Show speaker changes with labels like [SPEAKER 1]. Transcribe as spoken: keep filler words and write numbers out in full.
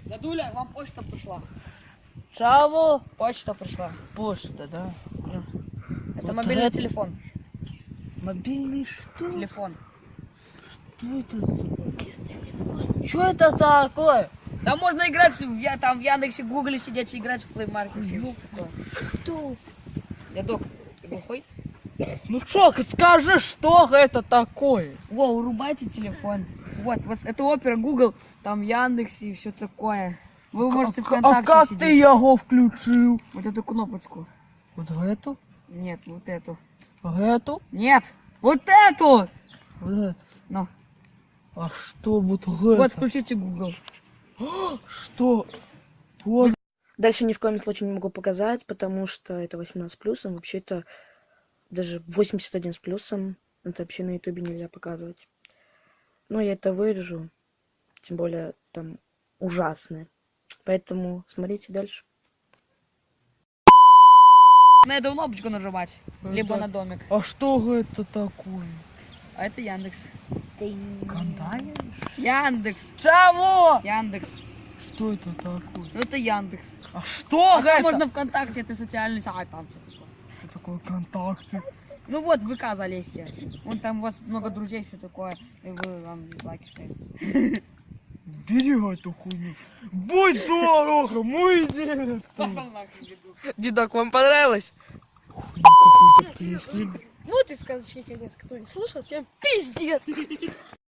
[SPEAKER 1] Дядуля, вам почта пришла.
[SPEAKER 2] Чего?
[SPEAKER 1] Почта пришла.
[SPEAKER 2] Почта, да?
[SPEAKER 1] Да. Это
[SPEAKER 2] Вот
[SPEAKER 1] мобильный
[SPEAKER 2] это-
[SPEAKER 1] телефон.
[SPEAKER 2] Мобильный что?
[SPEAKER 1] Телефон.
[SPEAKER 2] Что это за... Что это такое?
[SPEAKER 1] Там можно играть, в, я, там в Яндексе, в Гугле сидеть и играть в Play Market. и всё такое.
[SPEAKER 2] Что?
[SPEAKER 1] Дядок, ты глухой?
[SPEAKER 2] Ну что, скажи, что это такое?
[SPEAKER 1] Во, урубайте телефон. Вот, вот это опера Google, там Яндексе и все такое. Вы можете
[SPEAKER 2] А
[SPEAKER 1] ВКонтакте
[SPEAKER 2] как
[SPEAKER 1] сидеть.
[SPEAKER 2] ты его включил?
[SPEAKER 1] Вот эту кнопочку.
[SPEAKER 2] Вот эту?
[SPEAKER 1] Нет, вот эту.
[SPEAKER 2] Эту?
[SPEAKER 1] Нет, вот эту!
[SPEAKER 2] Вот эту.
[SPEAKER 1] Ну,
[SPEAKER 2] А что вот
[SPEAKER 1] вот
[SPEAKER 2] это?
[SPEAKER 1] включите Google.
[SPEAKER 2] Что? Вот.
[SPEAKER 3] Дальше ни в коем случае не могу показать, потому что это восемнадцать плюсом. Вообще-то даже восемьдесят один с плюсом. Это вообще на ютубе нельзя показывать. Но я это вырежу. Тем более там ужасное. Поэтому смотрите дальше.
[SPEAKER 1] На эту кнопочку нажимать, либо
[SPEAKER 2] Это-
[SPEAKER 1] на домик.
[SPEAKER 2] А что это такое?
[SPEAKER 1] А это Яндекс.
[SPEAKER 2] Кандаешь?
[SPEAKER 1] Яндекс.
[SPEAKER 2] Чего?
[SPEAKER 1] Яндекс.
[SPEAKER 2] Что это такое?
[SPEAKER 1] Ну это Яндекс.
[SPEAKER 2] А что
[SPEAKER 1] А там
[SPEAKER 2] это?
[SPEAKER 1] можно ВКонтакте, это социальный сайт, там все такое.
[SPEAKER 2] Что такое ВКонтакте?
[SPEAKER 1] Ну вот, в ВК залезьте. Вон там у вас много друзей, все такое. И вы вам лайки ставите.
[SPEAKER 2] Бери эту хуйню. Будь дорого, мой дед.
[SPEAKER 1] Пошел нахуй, деду.
[SPEAKER 3] Дедок, вам понравилось?
[SPEAKER 2] Хуйню какую-то принесли.
[SPEAKER 4] Вот и сказочки конец, кто не слушал, тем пиздец.